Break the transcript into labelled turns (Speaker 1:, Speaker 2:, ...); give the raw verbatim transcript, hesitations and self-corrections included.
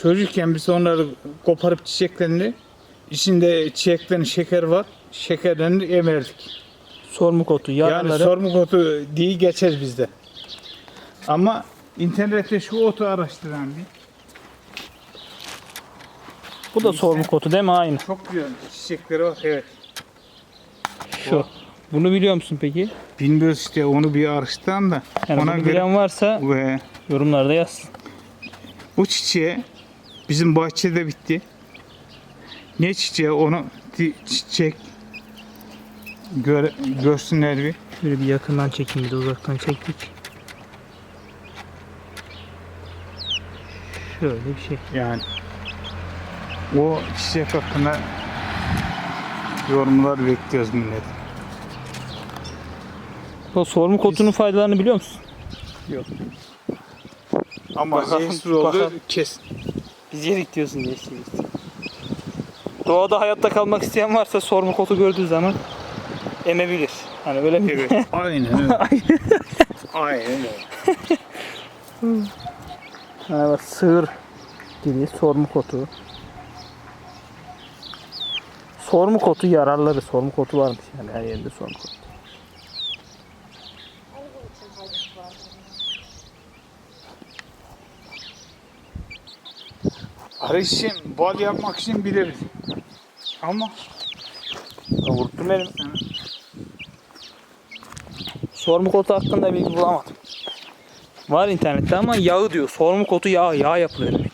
Speaker 1: çocukken biz onları koparıp çiçeklerini, içinde çiçeklerin şeker var, şekerlerini emerdik.
Speaker 2: Sormuk otu, yaraları.
Speaker 1: Yani sormuk otu diye geçer bizde. Ama internette şu otu araştıran bir.
Speaker 2: Bu da sormuk otu değil mi? Aynı.
Speaker 1: Çok güzel çiçekleri var, evet.
Speaker 2: Şu. Bunu biliyor musun peki?
Speaker 1: Bilmiyoruz işte, onu bir araştıran da.
Speaker 2: Yani
Speaker 1: ona
Speaker 2: bunu
Speaker 1: göre
Speaker 2: bilen varsa
Speaker 1: ve
Speaker 2: yorumlarda yazsın.
Speaker 1: bu çiçeği bizim bahçede bitti. Ne çiçeği onu di- çiçek gör, görsünler bir.
Speaker 2: Şöyle bir yakından çekeyim, bir de uzaktan çektik. Şöyle bir şey.
Speaker 1: Yani o çiçek hakkında yorumlar bekliyoruz millet.
Speaker 2: O sormuk otunun faydalarını biliyor musun?
Speaker 1: Yok. Ama
Speaker 2: Bakalım,
Speaker 1: zehirsiz oldu
Speaker 2: bakalım.
Speaker 1: kesin.
Speaker 2: Biz yedik diyorsun diye istedik. Doğada hayatta kalmak isteyen varsa sormuk otu gördüğü zaman emebilir. Hani öyle mi?
Speaker 1: Evet. Aynen öyle. Aynen öyle.
Speaker 2: Ha, bak, sığır gibi sormuk otu. Sormuk otu yararları, sormuk otu varmış yani her yerinde sormuk otu.
Speaker 1: Arı için, bal yapmak için biliriz. Ama
Speaker 2: Vurttum benim. Sormuk otu hakkında bilgi bulamadım. Var internette ama yağı diyor. Sormuk otu yağı, yağ yapılıyor demek.